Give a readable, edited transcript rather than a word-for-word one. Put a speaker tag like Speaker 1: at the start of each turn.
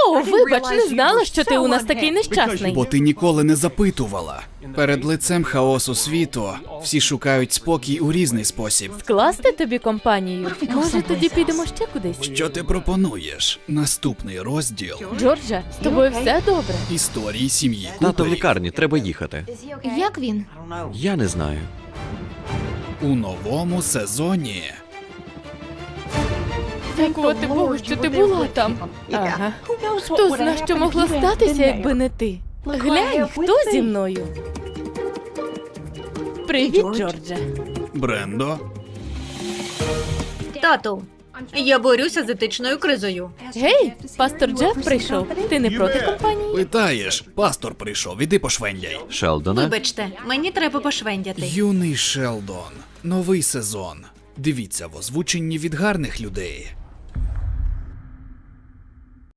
Speaker 1: О, вибач, не знала, що ти у нас такий нещасний.
Speaker 2: Бо ти ніколи не запитувала. Перед лицем хаосу світу всі шукають спокій у різний спосіб.
Speaker 1: Скласти тобі компанію? Може, тоді підемо ще кудись?
Speaker 2: Що ти пропонуєш? Наступний розділ
Speaker 1: Джордже, з тобою все добре?
Speaker 2: історії сім'ї
Speaker 3: Тато в
Speaker 2: Куперів
Speaker 3: лікарні, треба їхати.
Speaker 4: Як він?
Speaker 3: Я не знаю.
Speaker 2: у новому сезоні.
Speaker 1: Дякувати Богу, що ти була там. Ага. Хто зна, що могло статися, якби не ти? Глянь, хто зі мною? Привіт, Джордже.
Speaker 2: Брендо,
Speaker 5: Тату, я борюся з етичною кризою.
Speaker 1: Гей, пастор Джеф прийшов. Ти не проти компанії?
Speaker 2: питаєш, пастор прийшов, іди пошвендяй.
Speaker 3: Шелдоне?
Speaker 5: Вибачте, мені треба пошвендяти.
Speaker 2: Юний Шелдон. Новий сезон. Дивіться в озвученні від гарних людей.